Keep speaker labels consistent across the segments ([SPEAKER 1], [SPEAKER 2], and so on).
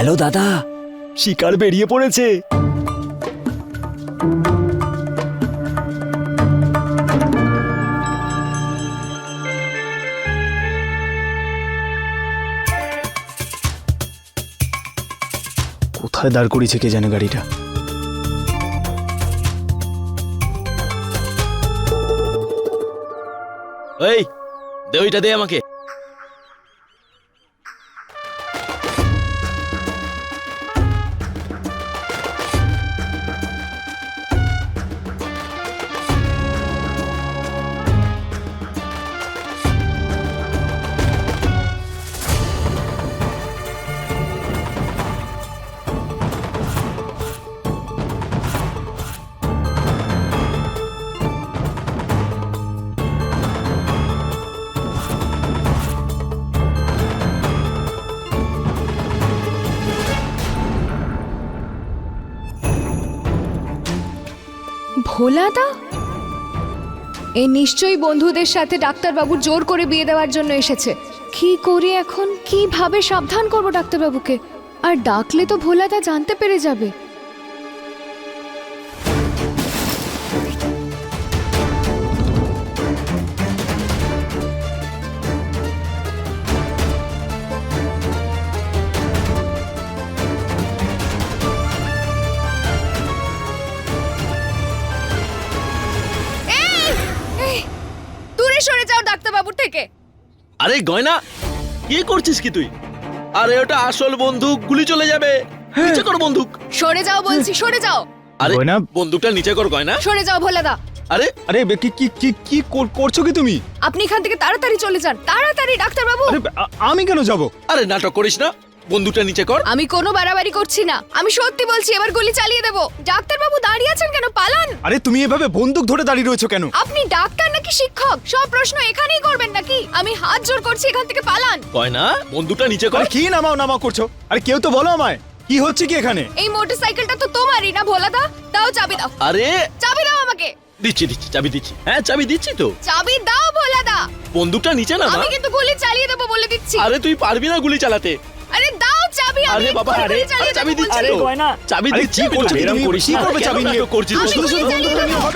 [SPEAKER 1] Hello দাদা, শিকার বেরিয়ে পড়েছে।
[SPEAKER 2] কোথায় দাঁড় করিয়েছে কে জানে গাড়িটা।
[SPEAKER 3] এই দে, ওইটা দে আমাকে।
[SPEAKER 4] ভোলাদা এ নিশ্চয়ই বন্ধুদের সাথে ডাক্তারবাবুর জোর করে বিয়ে দেওয়ার জন্য এসেছে। কি করি এখন, কিভাবে সাবধান করব ডাক্তারবাবুকে? আর ডাকলে তো ভোলাদা জানতে পেরে যাবে। দূরে সরে যাও ডাক্তারবাবুর থেকে।
[SPEAKER 3] আরে গয়না, কি করছিস কি তুই? আরে ওটা আসল বন্দুক, গুলি চলে যাবে। নিচে কর বন্দুক।
[SPEAKER 4] সরে যাও বলছি, সরে যাও।
[SPEAKER 3] আরে
[SPEAKER 2] গয়না,
[SPEAKER 3] বন্দুকটা নিচে কর গয়না।
[SPEAKER 4] সরে যাও ভোলাদা।
[SPEAKER 3] আরে
[SPEAKER 2] আরে কি কি কি কি করছো কি তুমি?
[SPEAKER 4] আপনি এখান থেকে তাড়াতাড়ি চলে যান, তাড়াতাড়ি ডাক্তারবাবু।
[SPEAKER 2] আরে আমি কেন যাব?
[SPEAKER 3] আরে নাটক করিস না, বন্দুকটা নিচে কর।
[SPEAKER 4] আমি কোনো বাড়াবাড়ি করছি না, আমি সত্যি বলছি, এবার গুলি চালিয়ে দেব। ডাক্তারবাবু দাঁড়িয়ে আছেন কেন? পালান।
[SPEAKER 2] আরে তুমি এভাবে বন্দুক ধরে দাঁড়িয়ে রয়েছো কেন?
[SPEAKER 4] আপনি ডাক্তার নাকি শিক্ষক? সব প্রশ্ন এখানেই করবেন নাকি? আমি হাত জোর করছি, এখান থেকে পালান।
[SPEAKER 3] গয়না, বন্দুকটা নিচে কর।
[SPEAKER 2] আরে কি নামাও করছো? আরে কেউ তো বলো আমায়, কি হচ্ছে কি এখানে?
[SPEAKER 4] এই মোটরসাইকেলটা তো তোমারই না ভোলাদা? দাও চাবি দাও,
[SPEAKER 3] আরে
[SPEAKER 4] চাবি দাও আমাকে।
[SPEAKER 3] দিচ্ছি চাবি দিচ্ছি। হ্যাঁ চাবি দিচ্ছি তো।
[SPEAKER 4] চাবি দাও ভোলাদা।
[SPEAKER 3] বন্দুকটা নিচে না।
[SPEAKER 4] আমি কিন্তু গুলি চালিয়ে দেবো বলে দিচ্ছি।
[SPEAKER 3] আরে তুই পারবি না গুলি চালাতে।
[SPEAKER 4] আরে দাও চাবি। আমি
[SPEAKER 3] আরে বাবা,
[SPEAKER 4] এক্ষুনি
[SPEAKER 3] আরে
[SPEAKER 4] গুলি চালিয়ে
[SPEAKER 3] চাবি
[SPEAKER 4] দেবো
[SPEAKER 3] দিচ্ছি
[SPEAKER 4] বলছি।
[SPEAKER 3] তো। চাবি
[SPEAKER 2] আরে
[SPEAKER 3] দিচ্ছি।
[SPEAKER 2] কি করছো
[SPEAKER 3] এরকম
[SPEAKER 2] তুমি?
[SPEAKER 3] করিস
[SPEAKER 2] কি
[SPEAKER 3] না।
[SPEAKER 2] করবে
[SPEAKER 3] কেন
[SPEAKER 2] চাবি নিয়ে?
[SPEAKER 3] নাটক করছিস?
[SPEAKER 4] আমি
[SPEAKER 2] শুধু শুধু
[SPEAKER 4] গুলি
[SPEAKER 2] বন্দুক
[SPEAKER 4] চালিয়ে
[SPEAKER 2] নিয়ে
[SPEAKER 4] দেবো।
[SPEAKER 2] হবে?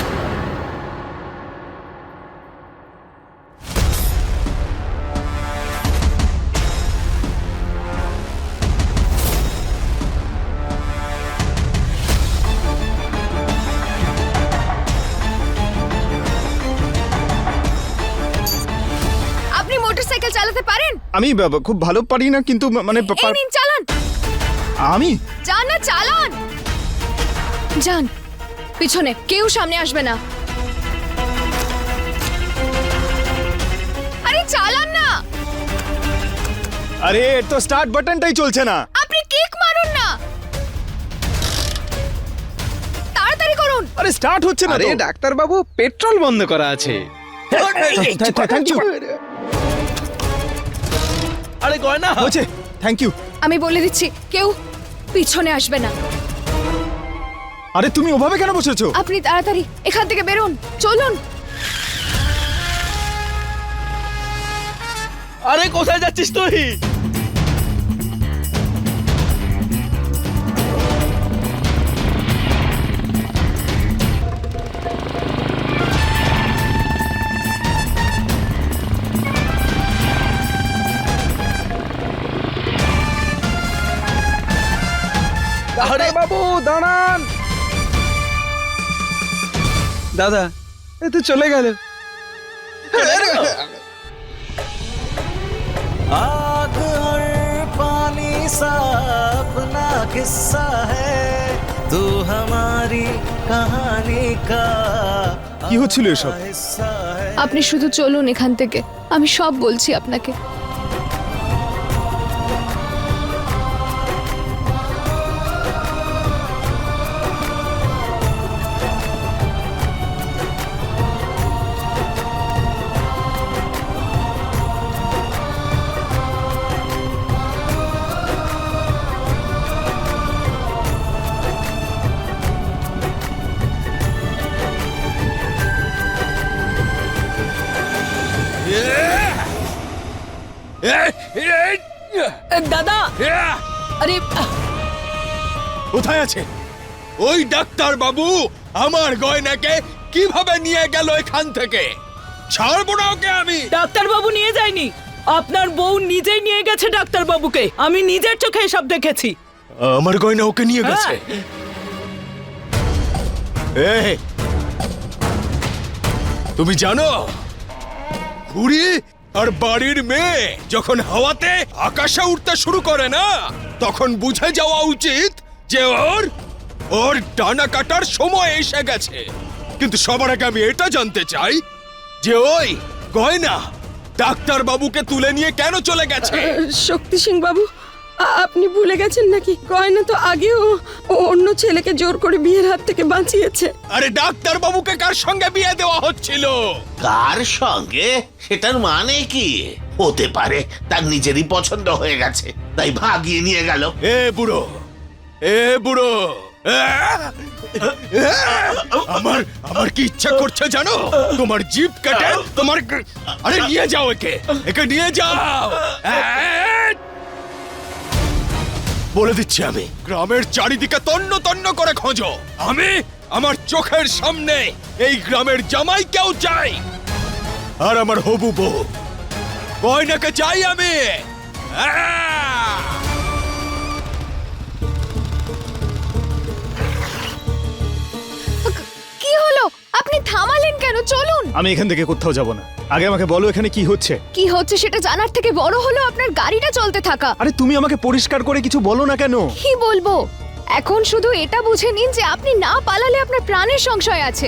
[SPEAKER 4] আপনি মোটরসাইকেল চালাতে পারেন?
[SPEAKER 2] আমি খুব ভালো পারি না, কিন্তু মানে
[SPEAKER 4] এই নিন চালান।
[SPEAKER 2] আমি
[SPEAKER 4] যান না, চালান। যান, পিছনে কেউ সামনে আসবে না। আরে চালান না।
[SPEAKER 2] আরে এর তো স্টার্ট বাটনটাই চলছে না।
[SPEAKER 4] আপনি কিক মারুন না, তাড়াতাড়ি করুন।
[SPEAKER 2] আরে স্টার্ট হচ্ছে না
[SPEAKER 5] আরে
[SPEAKER 2] তো।
[SPEAKER 5] ডাক্তার বাবু, পেট্রোল বন্ধ করা আছে।
[SPEAKER 2] Thank you.
[SPEAKER 3] আরে গয়না,
[SPEAKER 2] হচ্ছে, থ্যাংক ইউ।
[SPEAKER 4] আমি বলে দিচ্ছি, কেউ পিছনে আসবে না।
[SPEAKER 2] আরে তুমি ওভাবে কেন বসেছো?
[SPEAKER 4] আপনি তাড়াতাড়ি এখান থেকে বেরোন, চলুন।
[SPEAKER 3] আরে কোথায় যাচ্ছিস তুই?
[SPEAKER 5] ডাক্তার বাবু দাঁড়ান। দাদা, এ তো চলে গেল।
[SPEAKER 6] आग और पानी सा अपना किस्सा है तू हमारी कहानी का
[SPEAKER 2] কি হচ্ছিল এসব?
[SPEAKER 6] हिस्सा है।
[SPEAKER 4] আপনি শুধু চলুন এখান থেকে, আমি সব বলছি আপনাকে।
[SPEAKER 7] দাদা আরে
[SPEAKER 2] কোথায় আছে?
[SPEAKER 3] ওই ডাক্তার বাবু আমার গয়নাকে কিভাবে নিয়ে গেল এখান থেকে? ছাড়বো না ওকে আমি।
[SPEAKER 7] ডাক্তার বাবু নিয়ে যায়নি, আপনার বউ নিজেই নিয়ে গেছে ডাক্তার বাবুকে। আমি নিজের চোখে এসব দেখেছি।
[SPEAKER 3] আমার গয়না ওকে নিয়ে গেছে? এই, তুমি জানো ঘুড়ি আর বাড়ির মেয়ে যখন হাওয়াতে আকাশে উঠতে শুরু করে না, তখন বুঝে যাওয়া উচিত যে ওর ডানা কাটার সময় এসে গেছে। কিন্তু সবার আগে আমি এটা জানতে চাই যে ওই গয়না ডাক্তার বাবুকে তুলে নিয়ে কেন চলে গেছে?
[SPEAKER 8] শক্তি সিং বাবু, আপনি ভুলে গেছেন নাকি? গয়না তো আগেও অন্য ছেলেকে জোর করে বিয়ের হাত থেকে বাঁচিয়েছে।
[SPEAKER 3] আরে ডাক্তার বাবুকে কার সঙ্গে বিয়ে দেওয়া হচ্ছিল?
[SPEAKER 9] কার সঙ্গে সেটার মানে কি? হতে পারে তার নিজেরই পছন্দ হয়ে গেছে, তাই ভাগিয়ে নিয়ে গেল।
[SPEAKER 3] এ বুড়ো, এ বুড়ো, আমার আমার কি ইচ্ছা করছে জানো? তোমার জিভ কাটে তোমার। আরে নিয়ে যাও একে, একে নিয়ে যাও। বলে দিচ্ছি আমি, গ্রামের চারিদিকে তন্ন তন্ন করে খোঁজো। আমি আমার চোখের সামনে এই গ্রামের জামাইকেও চাই, আর আমার হবু বউ গয়নাকে চাই আমি।
[SPEAKER 4] কি হলো? আপনি থামালেন কেন? চলুন।
[SPEAKER 2] আমি এখান থেকে কোথাও যাব না। আগে আমাকে বলো এখানে কি হচ্ছে?
[SPEAKER 4] কি হচ্ছে সেটা জানার থেকে বড় হলো আপনার গাড়িটা চলতে থাকা।
[SPEAKER 2] আরে তুমি আমাকে পরিষ্কার করে কিছু বলো না কেন?
[SPEAKER 4] কি বলবো? এখন শুধু এটা বুঝে নিন যে আপনি না পালালে আপনার প্রাণের সংশয় আছে।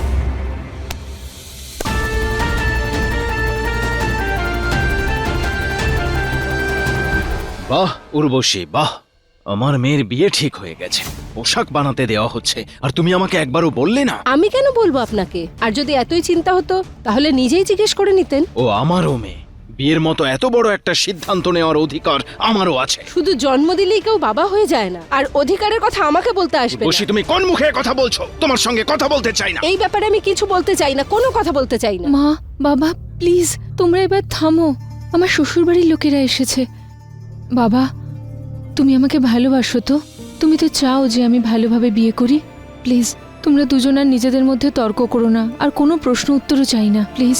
[SPEAKER 5] বাহ উর্বশী, বাহ, আমার মেয়ের বিয়ে ঠিক হয়ে গেছে, পোশাক বানাতে দেওয়া হচ্ছে, আর তুমি আমাকে একবারও বললে না।
[SPEAKER 8] আমি কেন বলবো আপনাকে? আর যদি এতই চিন্তা হতো তাহলে নিজেই জিজ্ঞেস করে নিতেন।
[SPEAKER 5] ও আমারও মেয়ে, বিয়ের মতো এত বড় একটা সিদ্ধান্ত নেওয়ার অধিকার আমারও আছে।
[SPEAKER 8] শুধু জন্ম দিলেই কেউ বাবা হয়ে যায় না, আর অধিকারের কথা আমাকে বলতে আসবে
[SPEAKER 5] উর্বশী,
[SPEAKER 8] না।
[SPEAKER 5] তুমি কোন মুখে কথা বলছো? তোমার সঙ্গে কথা বলতে চাই না।
[SPEAKER 8] এই ব্যাপারে আমি কিছু বলতে চাই না, কোনো কথা বলতে চাই না।
[SPEAKER 4] মা, বাবা, প্লিজ তোমরা এবার থামো। আমার শ্বশুরবাড়ির লোকেরা এসেছে। বাবা, তুমি আমাকে ভালোবাসো তো? তুমি তো চাও যে আমি ভালোভাবে বিয়ে করি? প্লিজ তোমরা দুজন আর নিজেদের মধ্যে তর্ক করো না, আর কোনো প্রশ্ন উত্তরও চাই না, প্লিজ।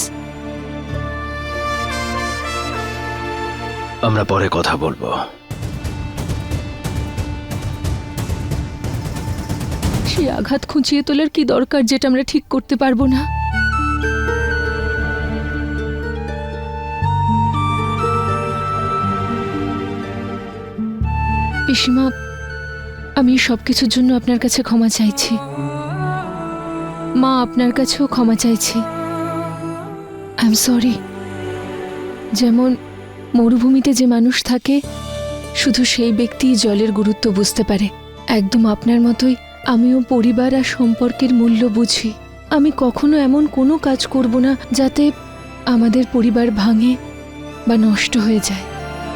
[SPEAKER 5] আমরা পরে কথা বলবো।
[SPEAKER 4] সেই আঘাত খুঁচিয়ে তোলার কি দরকার যেটা আমরা ঠিক করতে পারবো না? পিসিমা, আমি সবকিছুর জন্য আপনার কাছে ক্ষমা চাইছি। মা, আপনার কাছেও ক্ষমা চাইছি। I am sorry. যেমন মরুভূমিতে যে মানুষ থাকে, শুধু সেই ব্যক্তি জলের গুরুত্ব বুঝতে পারে, একদম আপনার মতোই আমিও পরিবার আর সম্পর্কের মূল্য বুঝি। আমি কখনো এমন কোনো কাজ করব না যাতে আমাদের পরিবার ভাঙে বা নষ্ট হয়ে যায়।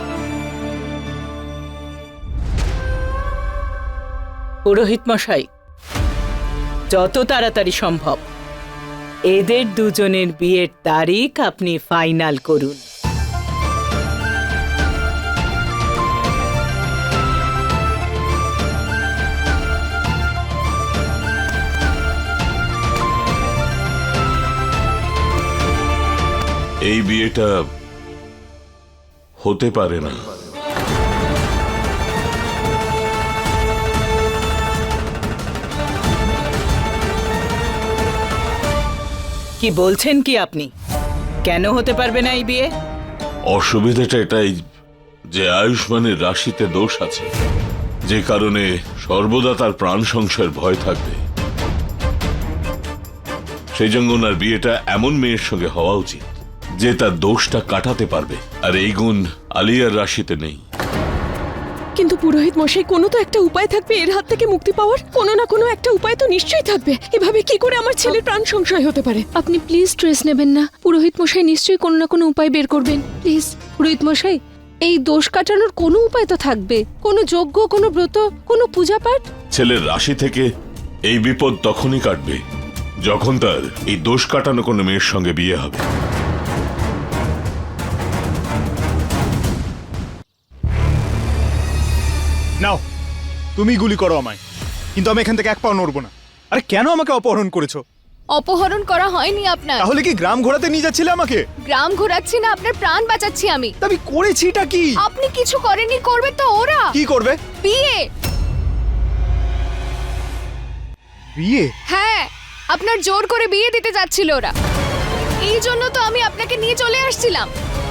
[SPEAKER 7] পুরোহিত মশাই, যত তাড়াতাড়ি সম্ভব এদের দুজনের বিয়ের তারিখ আপনি ফাইনাল করুন।
[SPEAKER 10] এই বিয়েটা হতে পারে না।
[SPEAKER 7] কি বলছেন কি আপনি? কেন হতে পারবে না এই বিয়ে?
[SPEAKER 10] অসুবিধাটা এটাই যে আয়ুষ্মানের রাশিতে দোষ আছে, যে কারণে সর্বদা তার প্রাণ সংশয়ের ভয় থাকবে। সেই জন্য ওনার বিয়েটা এমন মেয়ের সঙ্গে হওয়া উচিত যে তার দোষটা কাটাতে পারবে, আর এই গুণ আলিয়ার রাশিতে নেই।
[SPEAKER 8] কিন্তু পুরোহিত মশাই, কোনো তো একটা উপায় থাকবে এর হাত থেকে মুক্তি পাওয়ার। কোনো না কোনো একটা উপায় তো নিশ্চয়ই থাকবে। এভাবে কি করে আমার ছেলের প্রাণ সংশয় হতে পারে?
[SPEAKER 4] আপনি প্লিজ স্ট্রেস নেবেন না। পুরোহিত মশাই নিশ্চয়ই কোনো না কোনো উপায় বের করবেন, প্লিজ।
[SPEAKER 8] পুরোহিত মশাই, এই দোষ কাটানোর কোনো উপায় তো থাকবে, কোনো যজ্ঞ, কোনো ব্রত, কোনো পূজা পাঠ।
[SPEAKER 10] ছেলের রাশি থেকে এই বিপদ তখনই কাটবে যখন তার এই দোষ কাটানো কোনো মেয়ের সঙ্গে বিয়ে হবে।
[SPEAKER 2] নাও তুমি গুলি করো আমায়, কিন্তু আমি এখান থেকে এক পাও নড়বো না। আরে কেন আমাকে অপহরণ করেছো?
[SPEAKER 4] অপহরণ করা হয়নি আপনার।
[SPEAKER 2] তাহলে কি গ্রাম ঘোরাতে নিয়ে যাচ্ছিলে আমাকে?
[SPEAKER 4] গ্রাম ঘোরাচ্ছি না, আপনার প্রাণ বাঁচাচ্ছি আমি।
[SPEAKER 2] তা আমি করেছিটা কি?
[SPEAKER 4] আপনি কিছু করেননি, করবে তো ওরা।
[SPEAKER 2] কি করবে?
[SPEAKER 4] বিয়ে।
[SPEAKER 2] বিয়ে?
[SPEAKER 4] হ্যাঁ, আপনার জোর করে বিয়ে দিতে যাচ্ছিল ওরা। এই জন্য তো আমি আপনাকে নিয়ে চলে আসছিলাম।